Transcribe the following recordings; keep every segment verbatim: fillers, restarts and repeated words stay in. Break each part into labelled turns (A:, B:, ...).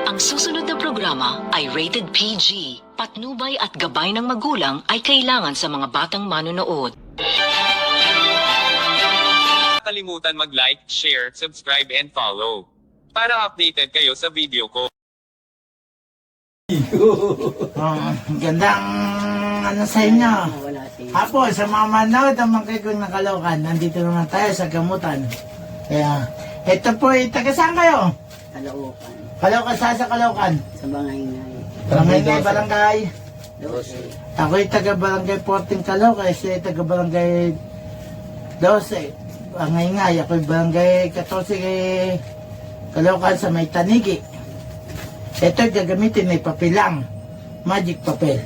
A: Ang susunod na programa ay rated P G. Patnubay at gabay ng magulang ay kailangan sa mga batang manonood.
B: Kalimutan mag-like, share, subscribe and follow. Para updated kayo sa video ko.
C: Oh, gandang ano sa inyo. Apo, sa mga manood ang mga kong nakalokan, nandito naman tayo sa gamutan. Kaya, ito po, eh, taga saan kayo?
D: Kalookan.
C: Kalaukan, saan sa Kalaukan?
D: Sa Bangay-ngay.
C: Barangay, barangay.
D: Dose.
C: Ako'y taga barangay fourteen Calaucan, siya taga barangay twelve. Barangay, ako'y barangay fourteen Calaucan sa may Tanigi. Ito gagamitin ay papilang. Magic papel.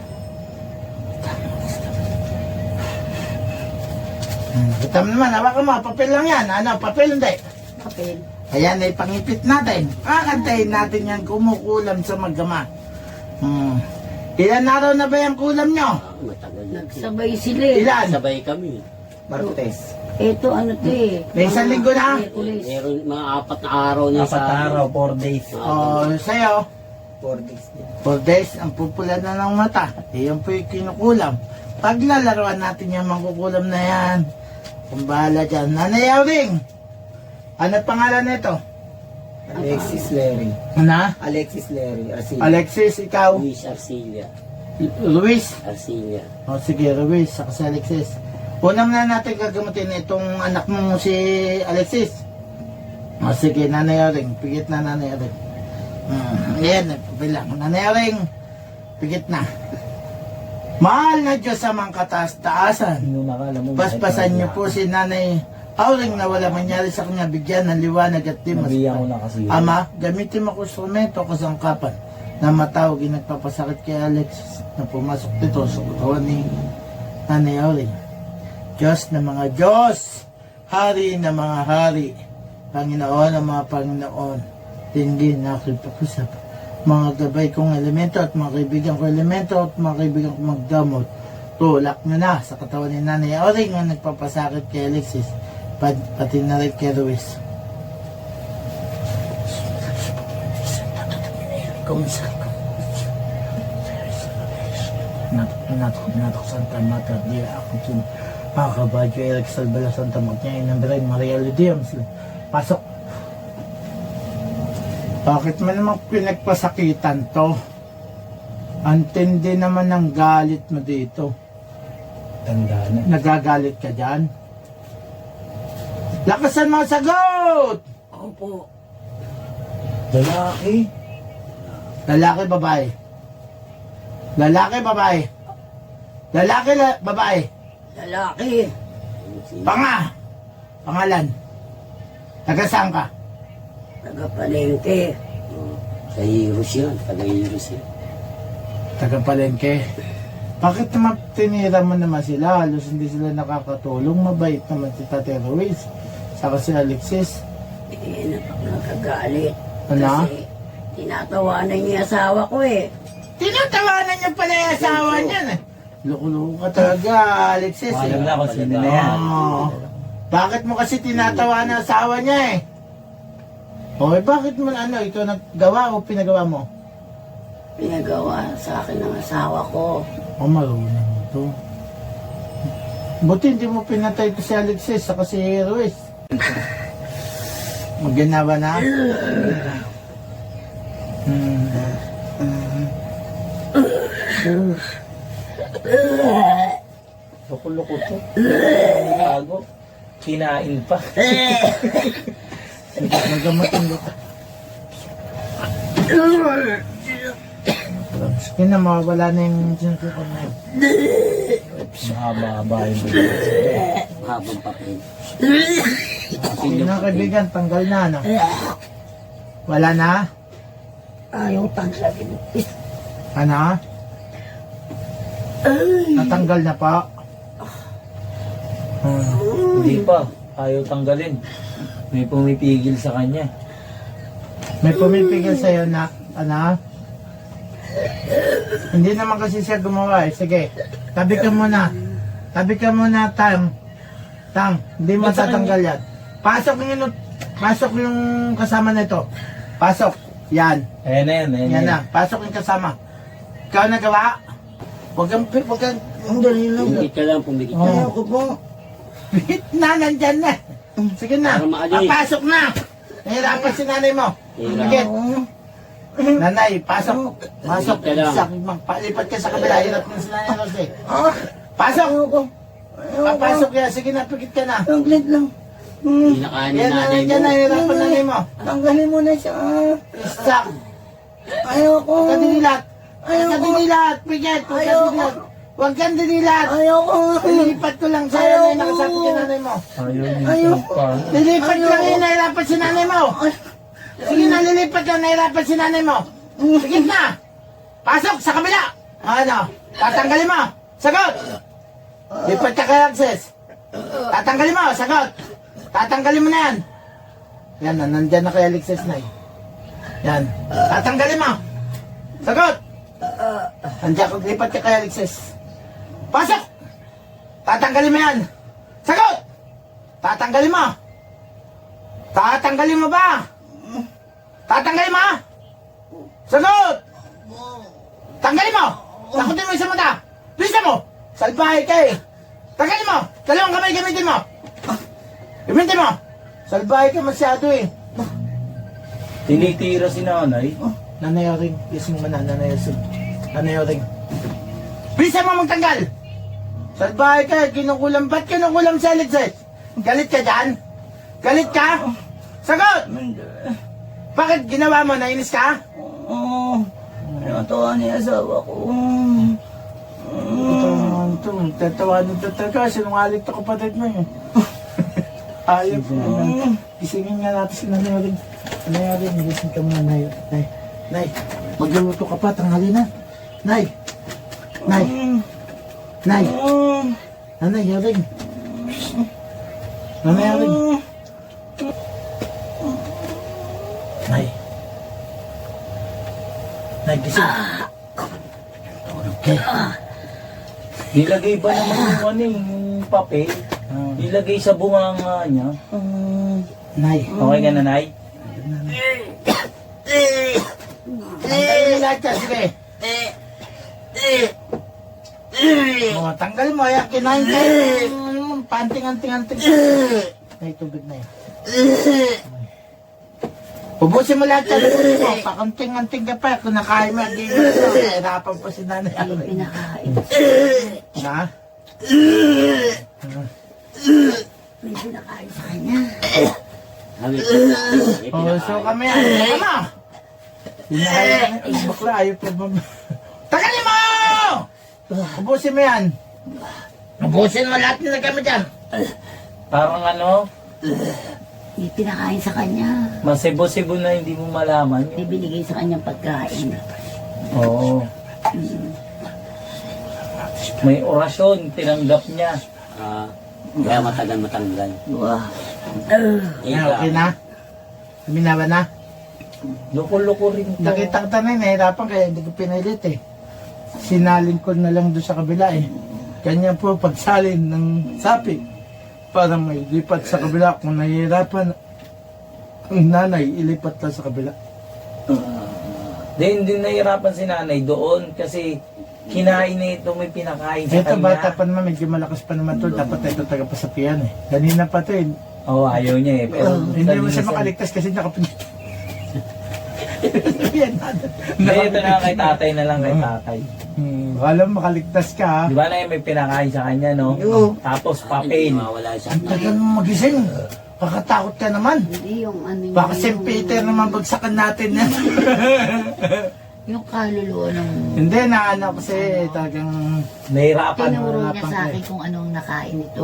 C: Hmm, kita mo naman, hawakan mo, papel lang yan. Ano, papel hindi.
D: Papel.
C: Ayan ay pangipit natin. Kakantayin natin yan kumukulam sa magama. Hmm. Ilan araw na ba yung kulam nyo?
D: Matagal na. Nagsabay sila eh.
C: Ilan?
E: Sabay kami. Martes.
D: Ito ano to eh.
C: May isang linggo na?
D: Merkulis.
E: Meron mga apat na araw na
F: Apat na araw, four days.
C: O, sa'yo,
F: Four days din.
C: four days, ang pupula na ng mata. Iyan po yung kinukulam. Paglalaroan natin yung mangkukulam na yan. Kung bahala dyan. Nanay Auring, ano pangalan nito?
F: Alexis Larry.
C: Ano?
F: Alexis Larry. Arcilla.
C: Alexis, ikaw?
E: Luis Arcilla.
C: Luis?
E: Arcilla.
C: O sige, Luis, saka si Alexis. Unang na natin gagamutin itong anak mo si Alexis. O sige, Nanay Auring, pigit na Nanay Auring. Hmm, ayan, bilang. Nanay Auring, pigit na. Mahal na Diyos sa mga kataas-taasan.
F: Nung nakala mo.
C: Paspasan niyo po si Nanay Auring na wala mangyari sa kanya, bigyan ng liwanag at timas.
F: Nabiyan ko na kasi.
C: Ama, gamitin mo ko instrumento o kasangkapan na matawag yung nagpapasakit kay Alexis na pumasok dito sa katawan ni Nanay Auring. Diyos na mga Diyos, Hari na mga Hari, Panginoon ng mga Panginoon, tingin na ako'y pakusap. Mga gabay kong elemento at mga kaibigan kong elemento at mga kaibigan kong magdamot, tulak nyo na sa katawan ni Nanay Auring na nagpapasakit kay Alexis, pat pati na rin kay Ruiz. Kumisal ko. Natok, natok, natok, Santa Mata, di ako sin Pakabadyo, Eric Salbala, Santa Magna, Inambiray, Maria Ludiams. Pasok. Bakit mo naman pinagpasakitan to? Antindi naman ng galit mo dito.
F: Tanda na.
C: Nagagalit ka dyan? Lakasan mo ang sagot!
D: Opo.
F: Lalaki.
C: Lalaki, babae. Lalaki, babae. Lalaki, la babae.
D: Lalaki.
C: Panga. Pangalan. Taga saan ka?
D: Taga-palengke.
E: Sa Heroes yan. Taga-Heroes yan.
C: Taga Palengke. Bakit naman tinira mo naman sila? Halos hindi sila nakakatulong. Mabait naman si Tate Ruiz. Saka si Alexis.
D: Eh, napak nakagalit.
C: Ano?
D: Kasi tinatawanan niya asawa ko eh.
C: Tinatawanan niya pala yung asawa niya. Eh. Loko-loko ka talaga, Alexis. Eh.
F: Alam na kung sino na yan.
C: Oo. Bakit mo kasi tinatawanan ang asawa niya eh? O eh, bakit mo ano, ito naggawa o pinagawa mo?
D: Pinagawa sa akin ng asawa ko.
C: O marunong ito. Buti hindi mo pinatay ito si Alexis saka si Ruiz. Maganawa na? Hmm.
F: Loko-loko to. Bago. Kinain pa.
C: Nagamutin dito. Sige na, mawawala na yung sinusukan na yun.
F: Mahaba-haba yung video.
E: Habang papel.
C: Sige na kaibigan, tanggal na ano? Wala na?
D: Ayaw taglagin.
C: Ano? Natanggal na pa? Hmm.
F: Hindi pa. Ayaw tanggalin. May pumipigil sa kanya.
C: May pumipigil sa'yo na, ano? Hindi naman kasi siya gumawa eh. Sige, tabi ka muna. Tabi ka muna, Tang. Tang, hindi matatanggal yan. Pasok yung, pasok yung kasama nito. Pasok. Yan.
F: Ayan na yan, ayan
C: Yan
F: na.
C: na. Pasok yung kasama. Ikaw nagawa? Huwag kang, huwag kang,
D: Ang dali lang.
E: Pumikit ka lang, pumikit ka.
C: Oh.
D: Ayoko po.
C: bihit na, nandyan na. Sige na.
E: Para maalis.
C: Papasok na. Nahirapan si nanay mo.
E: Hirap.
C: Sige. Nanay, pasok. Pasok.
E: Ka lang.
C: Sak, magpalipat ka sa kabila. Hirap na si nanay Rosy.
D: Ah,
C: Pasok.
D: ayoko. Ayoko.
C: Papasok yan. Sige na, pikit ka na.
D: Saglit lang. Hmm.
E: Pinakain ni
C: Yan na,
E: nanay
C: nandyan
E: mo.
C: na. Hirapan nanay mo.
D: Tanggalin mo na siya.
C: Sak.
D: Ayoko.
C: Huwag kang dinilat. Huwag
D: Ayoko.
C: kang dinilat. Pikit. Huwag kang
D: Ayoko.
C: dinilat. Huwag kang dinilat.
D: Ayoko.
C: Lilipat ko lang sa'yo na yung nakasabi kay nanay mo.
F: Ayaw
D: Ayaw.
F: nito pa.
C: Lilipat
D: Ayoko.
C: lang yun, nahirapan si nanay mo. Sige na, lilipat lang, nahirapan si nanay mo. Sige na. Pasok sa kabila. Ano? Tatanggalin mo. Sagot. Lipat ka kay Access. Tatanggalin mo. Sagot. Tatanggalin mo na yan. Yan na, nandyan na kay Alexis na eh. Yan. Tatanggalin mo. Sagot. Nandiyan ko, lipat ka kay Alexis. Pasok. Tatanggalin mo yan. Sagot. Tatanggalin mo. Tatanggalin mo ba? Tatanggalin mo? Sagot! Tanggalin mo! Takutin mo isang mata! Bisa mo! Salbahe ka eh! Tanggalin mo! Dalawang kamay gamitin mo! Gamitin mo! Salbahe ka masyado eh!
F: Tinitira si nanay.
C: Nanay Oring, yes mo na, Nanay Oring. Nanay Oring. Bisa mo magtanggal! Salbahe ka, kinukulam. Ba't kinukulam si Alexis? Galit ka dyan? Galit ka? Sagot! Bakit ginawa mo? Nainis ka?
D: Oo. Natawa niya asawa ko.
C: Ito naman ito. Tatawanan ito talaga. Sinungaling ito kapatid mo eh. Ayop naman. Isingin nga natin si Nanay Oring. Nanay Oring, gising ka muna, Nay. Nay, Nay, magluluto ka pa, tanghali na. Nay, Nay, Nay, Nanay Oring. Nanay Oring. Nay. Nay, gising. Tulog ka.
F: Nilagay ba naman yung ano eh, yung papel? Nilagay sa bunganga niya.
C: Nay.
F: Okay ka na, Nay?
C: Tanggalin mo lahat yan, sige. Mga tanggal mo, ayan, kinain ka. Panting-anting-anting. Nay, tubig na yan. Ubusin mo lahat yan, ubusin mo. Pakunting-anting ka pa, kung nakain mo, hindi mo ito. Hirapan pa si nanay.
D: Ay, pinakain.
C: Ha?
D: May pinakain sa kanya.
E: Kami.
C: Oh, so kami yan. Teka mo! Pinakain ka na. Bakla, ayaw pa ba? Tagalin mo! Ubusin mo yan. Ubusin mo lahat na kami dyan.
F: Parang ano,
D: May pinakain sa kanya.
F: masibo-sibo na hindi mo malaman.
D: May binigay sa kanyang pagkain.
F: Oo. May orasyon, tinanggap niya.
E: Ah, kaya matagal matanggal.
D: Wow.
C: Yan, okay na? Minawa na?
F: Loko-loko rin to.
C: Nakita ko tanay, nahirapan kaya hindi ko pinilit eh. Sinalin ko na lang doon sa kabila eh. Kanya po pagsalin ng sapi para may lipat sa kabila. Kung nahihirapan ang nanay, ilipat lang sa kabila.
F: Di, hindi nahirapan si nanay doon kasi kinain na ito, may pinakain sa
C: Ito
F: kanya.
C: bata pa naman, medyo malakas pa naman to. Dapat ito taga-pasapian eh. Kanina pa to eh.
F: Oo, ayaw niya eh. Pero
C: Hindi mo siya
F: kanina
C: makaligtas kasi nakapinit. Yan,
F: Hindi, ito na kay tatay na lang kay tatay.
C: Hmm, alam, makaligtas ka ha.
F: Di ba na may pinakain sa kanya, no?
C: Oo.
F: Tapos papel.
E: Mawala siya.
C: Ang tagal mo magising. Kakatakot ka naman.
D: Hindi yung ano yung...
C: Baka Saint Peter naman bagsakan natin yan.
D: Yung kaluluwa ng...
C: Hindi, naano kasi talagang...
F: Nahirapan.
D: Tinuro niya
C: harapan
D: sa
C: ka
D: akin
C: eh.
D: kung anong nakain ito.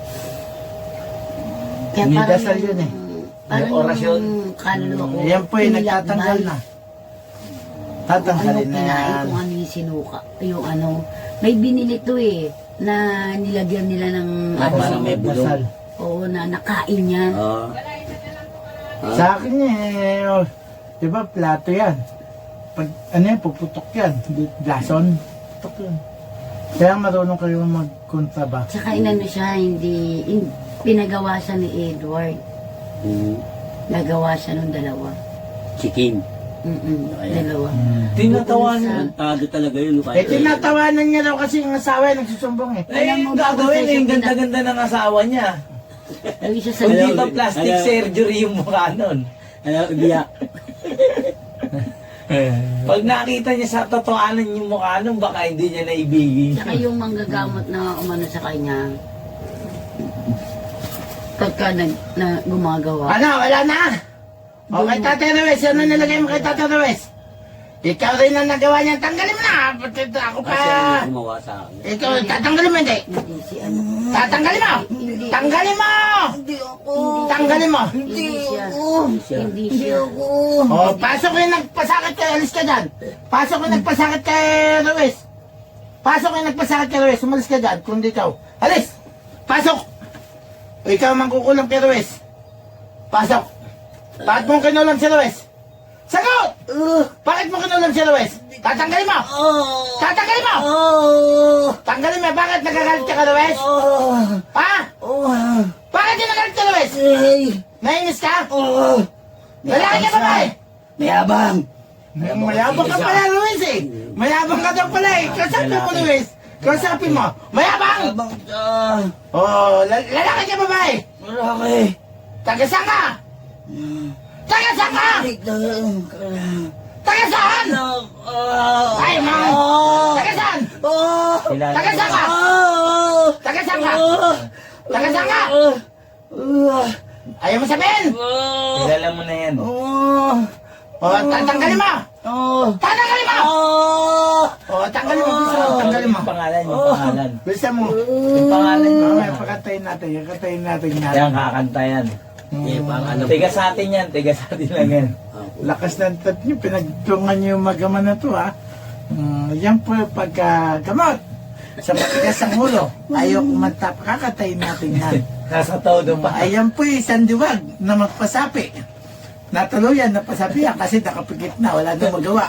C: Nidasal yun eh.
D: Parang
F: May orasyon.
D: yung kaluluwa ko.
C: Yan po eh,
D: pinilakbay.
C: nagtatanggal na.
D: Kung ano
C: Tatanggalin na
D: kinain,
C: yan.
D: kung ano yung sinuka. Yung ano. May binili to eh. Na nilagyan nila ng...
E: Ah,
D: ano,
E: parang may bulong.
C: Dasal.
D: Oo, na nakain yan.
E: Oo.
C: Sa akin eh, oh, di ba plato yan. Pag ano yan, puputok yan. Di- Blason. Putok yan. Kaya marunong kayo magkontraba.
D: Tsaka inano siya, hindi... in- pinagawa siya ni Edward.
E: Mm.
D: Nagawa siya nung dalawa.
E: Chicken.
D: Mm-mm, dalawa.
F: Tinatawanan.
E: Tado talaga yun.
C: Eh, tinatawanan niya daw kasi yung asawa ay nagsusumbong eh.
F: Eh, yung gagawin eh, yung ganda-ganda ng asawa niya.
D: Yung isa sa
F: Hindi
E: Alam-
F: ba plastic
E: alam-
F: surgery yung mukha nun?
E: Ano, biyak.
F: Pag nakita niya sa totoanan yung mukha nun, baka hindi niya naibigin.
D: Saka yung manggagamot na umano sa kanya, pagka nag, na gumagawa,
C: Ano, wala na? O kay Tate Ruiz, ano nilagay mo kay Tate Ruiz? Ikaw rin ang nagawa niyan, tanggalin mo na. Pati ako pa.
E: Kasi ang gumawa sa akin.
C: Ikaw, tatanggalin mo hindi.
D: hindi si ano,
C: Tatanggalin mo. Tanggalin mo. Tanggalin mo.
D: hindi siya,
E: Hindi siya.
D: hindi siya.
C: O, pasok yung nagpasakit kay, alis ka dyan. Pasok yung nagpasakit kay Ruiz. Pasok yung nagpasakit kay Ruiz, umalis ka dyan, kung di ikaw. Alis! Pasok! O ikaw ang mangkukulam kay Ruiz. Pasok! Bakit mo kinulam si Ruiz? Sagot! Bakit mo kinulam si Ruiz? Tatanggalin mo! Tatanggalin mo! Tanggalin mo, bakit nagagalit ka kay Ruiz? Ha? Bakit yung nagalit ka Ruiz? Nainis ka? Lalaki ka ba eh?
E: Mayabang!
C: Mayabang ka pala, Luis eh. Mayabang ka daw pala eh. Kasabi mo, Luis. Kasabi mo. Mayabang!
E: Mayabang ka!
C: Oh, la- lalaki ka babae.
E: Malaki!
C: Taga-saan ka? Taga-saan ka? Taga-saan? Ay, man! Taga-saan?
F: Kilala
C: Taga-saan ka? Taga-saan ka? Taga-saan ka? Ayaw mo sabihin?
F: Kilala mo na yan.
C: Oh, tatanggalin mo! Tatanggalin mo! Oh, tanggalin mo. Bisa mo, tanggalin mo.
F: Yung pangalan, yung pangalan.
C: Bisa mo.
F: Yung pangalan mo.
C: Mamaya, pakatayin natin. Pakatayin natin
F: Yan,
C: natin.
F: kakanta yan.
E: Eh, pang ano.
F: Tiga sa atin yan, tiga sa atin lang yan.
C: Lakas ng tat nyo, pinagtungan nyo yung magama na to, ha? Mm, yan po yung pagkagamot. Sa matigas ang ulo. Ayaw kumantap, kakatayin natin yan.
F: Nasa todo pa.
C: Ayan po yung isang diwag na magpasapi. Natuluyan, napasapi yan kasi nakapikit na, wala na magawa.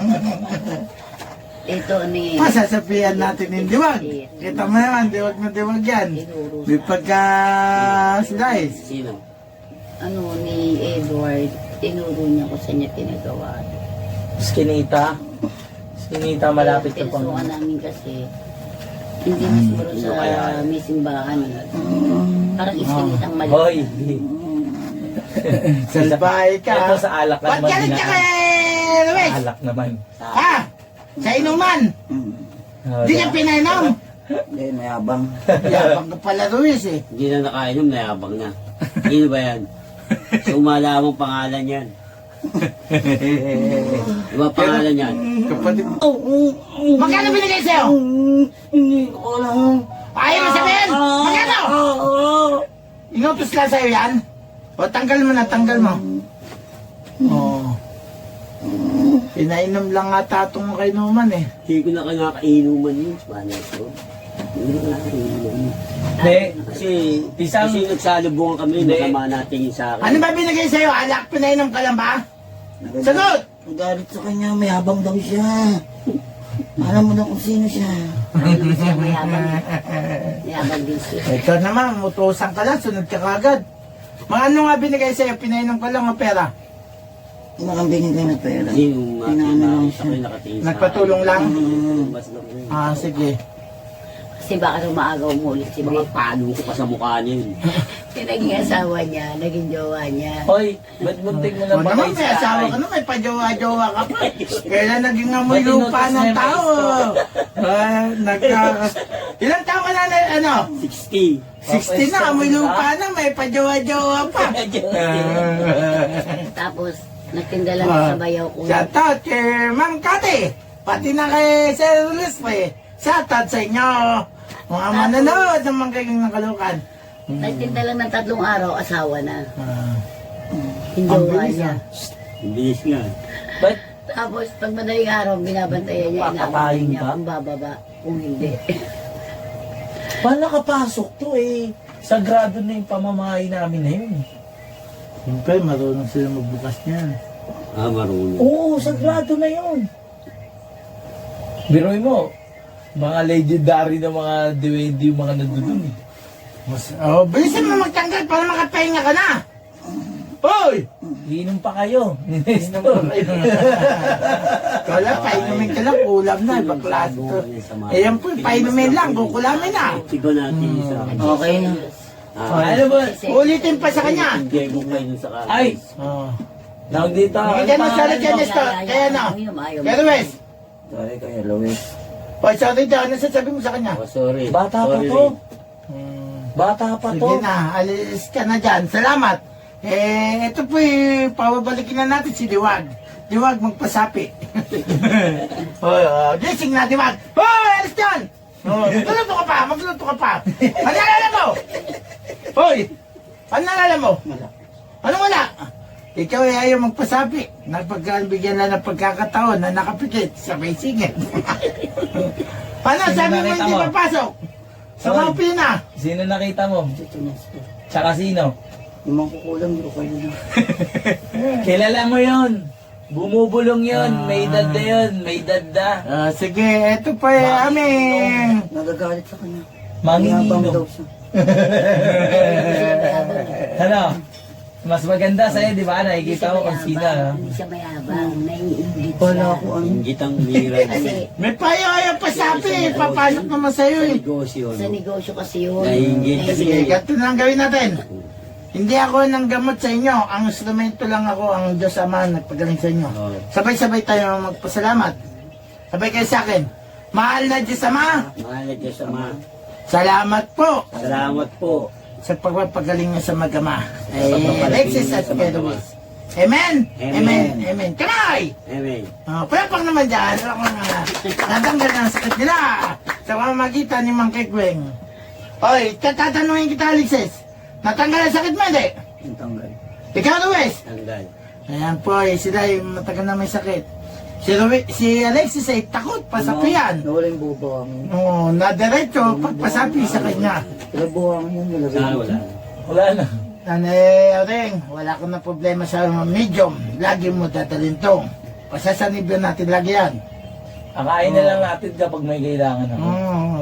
D: Ito ni,
C: Pasasapihan natin yung diwag. Kita mo naman, diwag na diwag yan. May pagka-slice.
E: Sino?
D: ano ni Edward, tinuro niya kung saan niya pinagawa.
F: Skinita. Skinita, malapit ka pang...
D: Pinasukan namin kasi, hindi mismo rin sa may simbahan. eh. Parang iskinitang mali.
F: Hoy!
C: Salbahay ka.
F: Ito sa alak
C: Ba't
F: naman.
C: galit ka kay Luis?
F: Alak naman.
C: Ha? Sa inuman?
F: Oh,
C: Di ka pinainom?
E: Hindi, mayabang.
C: Yabang ka pala Luis eh.
E: Hindi na nakainom, mayabang na. Sino ba yan? Sumala mong pangalan yan. Diba pangalan yan?
C: Kapatid. Magkano binigay sa'yo?
E: Hindi ko alam.
C: Ayaw mo sabihin? Magkano? Inutos lang sa'yo yan? O tanggal mo na, tanggal mo. Oo. Pinainom lang nga tatong kay Numan eh.
E: Hindi ko na kinakainuman yun. Spanish ko. Hindi ko nakainuman yun.
F: Hindi.
E: Kasi,
F: Isang-
E: kasi nagsalubungan kami,
F: Hindi.
E: masama natin yung sa akin.
C: Ano ba binigay sa'yo? Alak, pinainom ka lang ba? Sagot!
G: Galit sa kanya, mayabang daw siya. Alam mo na kung sino siya.
D: Ayun siya mayabang. Mayabang din siya.
C: Ito naman, utusan ka lang, sunod ka kagad. Mga ano nga binigay sa'yo? Pinainom ka lang o pera?
G: Makang binigay na pera.
E: Kasi yung
G: Pinaano lang
E: nakita
G: siya.
E: ko yung nakatingin sa
C: Nagpatulong lang?
E: akin. Mas lang yun.
C: Ah, sige.
D: Kasi baka rumagaw mo ulit si
E: Mga
D: Beth.
E: palo ko pa sa mukha niya yun.
D: Yung naging asawa niya, naging jowa niya.
F: Hoy, ba't muntik mo na
C: O
F: ba
C: naman, may asawa ka na, may pajowa-jowa ka pa. Kailan naging amoy
F: Ba't
C: lupa
F: inutos
C: ng
F: na yung
C: tao? Ah, nagka... Ilang taon ka na, na ano?
E: sixty.
C: sixty na, amoy lupa na, may pajowa-jowa pa.
D: Tapos, nagtinda lang
C: Ah.
D: sa bayaw ko.
C: Shout out kay Ma'am Kati, pati na kay Sir Luis pa eh. Shout out sa inyo, mga manonood ng mga kayong nakalukan.
D: Nagtinda lang ng tatlong araw, asawa na.
C: Ah,
D: Yung
C: ang
D: jowa
C: bilis
D: niya.
C: ah.
E: Ang bilis nga.
F: Ba't
D: Tapos, pag madaling araw, binabantayan niya,
F: Papatayin
D: inaaway niya
F: ka?
D: kung bababa, kung hindi.
F: paano nakapasok to eh? Sagrado na yung pamamahay namin na yun.
C: Siyempre, marunong sila magbukas niyan.
E: Ah, marunong.
F: Oo, sagrado na yun. Biroy mo, mga legendary na mga duwende yung mga nandun eh.
C: Mas, oh, bilisan mo magtanggal para makapahinga ka na. Hoy!
F: Iinom pa kayo. Ni Nestor.
C: Wala, painumin ka lang, kulam na, baklas to. Eh, yan po, painumin lang, kukulamin na.
E: Sigo natin sa
G: Okay na.
E: Ah,
F: Ano ba?
C: Ulitin pa sa kanya.
E: Hindi mo kayo dun sa kanan.
F: Ay!
C: Oh.
F: Tawag dito.
C: Hindi ka na sorry dyan, Nestor. Kaya na. Kaya Luis.
G: Sorry kayo, Luis.
C: O, sorry dyan, ano sasabi mo sa kanya?
E: Oh, sorry.
F: Bata pa
E: Sorry.
F: to. Bata pa to.
C: Sige na, alis ka na dyan. Salamat. Eh, ito po eh, pababalikin na natin si Diwag. Diwag, magpasapi. o, oh, gising na, Diwag. Hoy, alis dyan! Oh, magluto ka pa, magluto ka pa. Ano nalala mo? Hoy, ano nalala mo? Ano wala? Ikaw ay ayaw magpasapi. Napagkalbigyan lang ng pagkakataon na nakapikit sa may singit. Ano,
F: Sino
C: sabi mo
F: nakita
C: hindi
F: mo?
C: papasok? Sa
F: Hoy.
C: mga pina.
F: Sino nakita mo?
G: Ito, Nestor.
F: Tsaka sino?
G: Yung mga kukulang, hindi ko kayo na.
F: Kilala mo yun. Bumubulong yun. May edad na yun. May edad na.
C: Ah, sige, eto pa eh, aming.
G: Nagagalit sa kanya. Mayabang
F: Manginginom.
G: daw siya.
F: Ano? Mas maganda sa'yo, di ba? Nakikita mo kung sino. no?
D: Hindi siya mayabang, naiingit siya.
G: Wala ko ano.
E: Inggitang bira.
D: Kasi
C: May payo ayaw pa sabi, papasok naman sa'yo
E: Sa
C: eh.
E: negosyo.
D: sa
E: no?
D: negosyo kasi yun.
E: Naiingit.
C: Sige, ganito na ang gawin natin. Hindi ako nang gamot sa inyo, ang instrumento lang ako, ang Diyos Ama nagpagaling sa inyo.
E: Oo.
C: Sabay-sabay tayo magpasalamat. Sabay kayo sa akin. Mahal na Diyos Ama,
E: Mahal na Diyos Ama.
C: salamat po
E: Salamat po.
C: sa pagpapagaling niyo sa mag-ama.
E: Sa
C: Eh,
E: pagpapagaling
C: Alexis
E: niyo
C: at
E: sa
C: Kuya
E: mag-ama.
C: Luis. Amen?
E: Amen.
C: Amen? Amen. Kamay!
E: Amen.
C: Oh, palapang naman dyan. Ano ko nga. Natanggal na ang sakit nila. Sa pamamagitan ni Mang Kikweng. Oy, tatatanungin kita, Alexis. Natanggal ang sakit mo, hindi?
G: Yung tanggal.
C: Ikaw, Luis.
E: Tanggal.
C: Ayan po, eh, sila ay matagal na may sakit. Si, Luis, si Alexis ay takot, pasapian.
G: Nawala yung bubuhangin.
C: Oo, na diretso, pagpasapi sa kanya.
G: Wala buhangin yun, nilagay
E: Ah,
G: ko.
E: wala.
F: Wala na.
C: Ano eh, Ring, wala ko na problema sa medium. Lagi mo dadalhin to. Pasasanibyan natin lagi yan.
F: Akain na lang natin kapag may kailangan ako.
C: Oo.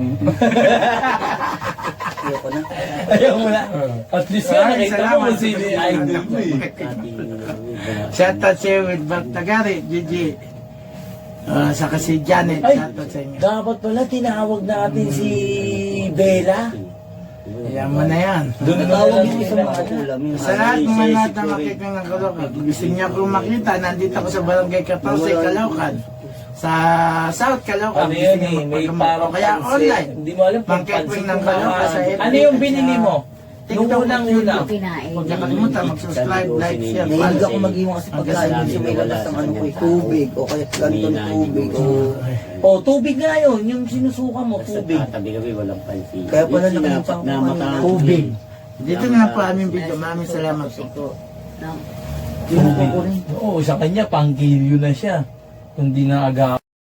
G: Ayoko na.
F: Ayaw mo na. At least nga,
C: Ay,
F: nakita mo
C: salamat.
F: kung sino yung idol mo eh.
E: Ating
C: Shout out sa'yo with Bart Tagari, Gigi. Ah, saka si Janet,
F: Ay,
C: shout out sa inyo.
F: dapat pala tinawag natin si Bella.
C: Ayan mo na yan.
F: Doon mo na
G: Tawag
F: lang
G: mo sa
F: sila.
G: mga kulam yun.
C: Sa lahat ng mga lahat na makikita ng Caloocan, gusto niya akong makita, nandito ako sa Barangay fourteen, Caloocan. Sa South Caloocan,
F: Ano
C: gusto
F: yun
C: niya
F: eh, may
C: magpagdamag
F: parang
C: ko. Kaya
F: pansit.
C: online.
F: Hindi mo alam kung
C: Mang-catwing
F: pansit
C: ng
F: kung
C: Caloocan sa
F: kakain.
C: F B
F: Ano yung
C: at
F: binili
C: sa
F: mo? Nung
C: TikTok,
F: unang-una.
C: YouTube.
D: Kinain.
C: Huwag niya kalimutan, mag-subscribe, like, share,
G: Nahilig
C: follow.
G: ako mag-iwan kasi pagkain yun sa may labas ng ano ko eh, tubig o kaya ganitong tubig o
F: Oh, tubig nga yun. Yung sinusuka mo,
E: Sa
F: tubig.
E: tatabi kami walang pansin.
G: Kaya pala
E: Yung
G: nakalimutan
E: sinapak
G: ko
E: na
G: ano,
E: mata-
C: Tubig. Dito na po aming video. Maraming salamat po.
D: No.
G: yung ko rin.
F: Oo, sa kanya, pang-kilyo na siya. Kung di na aga